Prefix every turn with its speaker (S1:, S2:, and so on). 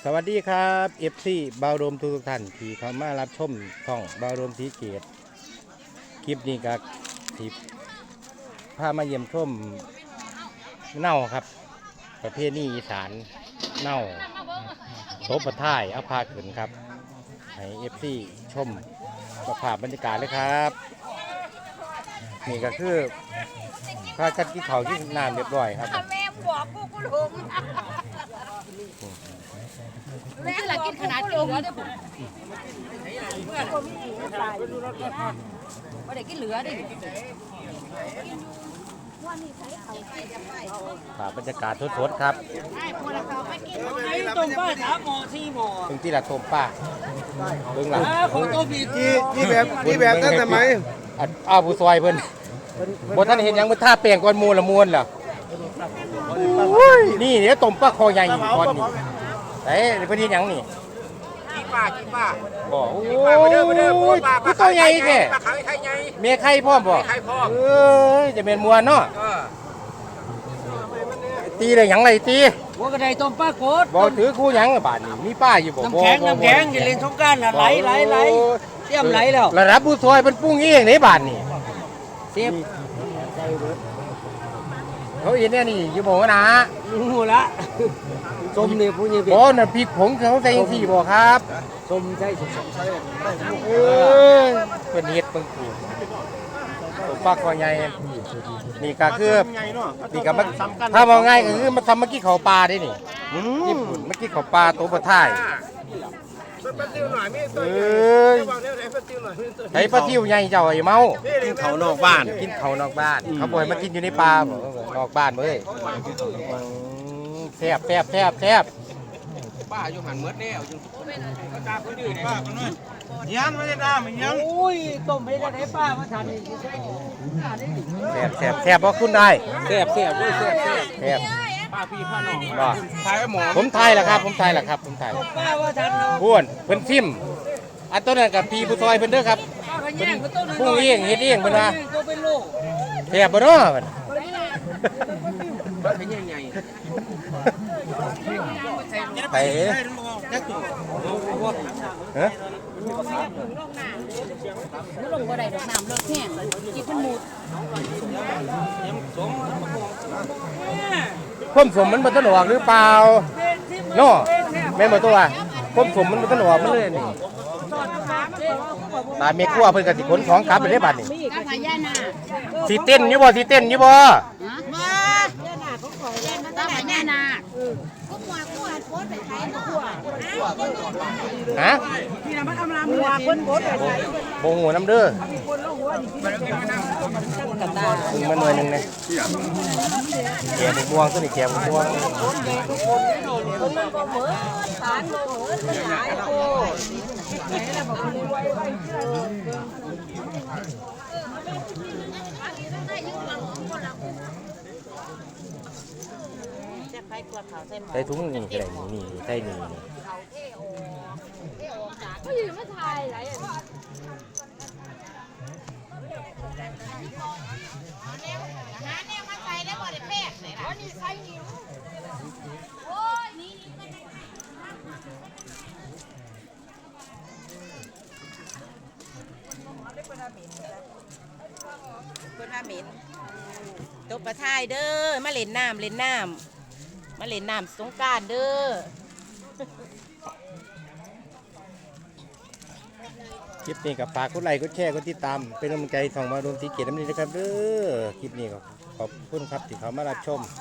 S1: สวัสดีครับเอฟซีบาวโรมทุกท่านที่เข้ามารับชมช่องบาวโรมสีเกตคลิปนี้ก็ที่พามาเยี่ยมชมเน่าครับประเภทนี้อีสานเน่าโต๊ะประท่ายเอาพาขึ้นครับให้เอฟซีชมสภาพบรรยากาศเลยครับนี่ก็คือพากันกินข้าวกินน้ำเรียบร้อยครับ
S2: แม่บอกกูลุงแม่ละกินขนาดจมไม่ได้กินเหลือดิ
S1: บรรยากาศสดๆครับ
S3: ต้มป้า3 หม้อ 4 หม้อ
S1: ตรงที่ละต้มป้าเบื้องหลัง
S3: ของต้มอีก
S4: นี่แบบตั้งแต่ไหม
S1: อ้าวผู้ซอยเพิ่นบนท่านเห็นยังมันท่าเปลี่ยนก้อนมูลละมวนเหรอนี่เดี๋ยวต้มป้าคอใหญ่ก้อนนี่เอ้ยเพิ่นเห็นยังนี่
S4: กินป้า
S1: บอกโอ้ยผู้ตัวใหญ่แท้
S4: ปลาไข่ไข่ใหญ่
S1: เมียไข่พร้อมบ่จะเป็นมวนเนาะตีได้หยังไรตี
S3: หัวกระไดต้มป้าโคตร
S1: บอกถือคู่หยังบาดนี่มีป้าอยู่บ่
S3: น้ำแข็งอย่าเล่นสงกรานต์ไหลเตรียมไหลแล้ว
S1: ระดับผู้ซอยเป็นปุ้งเองในบาดนี่
S3: เสียบ
S1: เขาเห็นแน่นี่อยู่บ่นะ
S3: หูละส้มนี่ผู้ใหญ่
S1: บ่น่ะพริกผงเขาใส่จังซี่บ่ครับ
S3: ส้มใช่
S1: เพิ่นเฮ็ดเบิ่งกูตัวปลาคอใหญ่นี่ก็คือนี่ก็มันถ้ามองง่ายก็คือมันทำเมื่อกี้เขาปลาได้นี่ญี่ปุ่นเมื่อกี้เขาปลาตัวปลาท่ายไอ้ปลาทิวใหญ่เจ้าไอ้เมา
S4: กินเขานอกบ้าน
S1: กินเขานอกบ้านเขาบ่ให้มากินอยู่ในป่านอกบ้านเว้ยแซ่บ
S4: ป้าอยู่หันเมื่อแล้วอยู่ก็ตาคนอื่นป้าคนนู้นยันไม่ได้ด่ามันยัง
S3: โอ้ยต้มให้ได้ป้ามาทานนี่
S1: แซ่บบ่คุณได้
S3: แซ่บด้วยแซ่บ
S4: ป้าพี่ป้าน้อง
S1: บ่
S4: ทายหมอ
S1: ผมทายแหละครับผมทาย
S3: ป้าว่าทาน
S1: บ้วนเพิ่นซิมอันต้นนั้นกับพี่ผู้ซอยเพิ่นเด้อครับผู้เองเฮ็ดเองเพิ่นว่าแซ่บบ่เนาะเพิ่นไปฮะ
S2: ลงบ่ได้ดอกน้ำเลิกแห้งกินมันหมด
S1: ความสมมันบ่ทันออกหรือเปล่าเนาะแม่นบ่ตัวความสมมันบ่ทันออกมันเลยนี่ตาเมียครัวเพิ่นก็สิขนของกลับไปได้บัดนี้
S2: กับพญานาค
S1: สิเต้นอยู่บ่
S2: มาย่านาของขอแย่มาตั้งพญานาคก็มัวโคตรไปใช้เนาะ
S1: ฮะ
S2: นี่นะมันอำลามัวคนโคตรไปใช้
S1: บ่ฮู้นำเด้อมันหน่วยนึงนะแกงม่วงตัวนี้แกงม่วงใส่ถุงนี่ก็ได้นี่ใส่นี่
S2: ก็อยู่ไม่ทายไร
S5: คนมาเหม็นตบประทายเด้อมาเล่นน้ำมาเล่นน้ำสงกรานต์เด้อ
S1: คลิปนี้กับฝากกดไลค์กดแชร์กดติดตามเป็นกำลังใจส่องมาโดนสีเกียรติน้ำนี้นะครับเด้อคลิปนี้ก็ขอบคุณครับที่เขามารับชม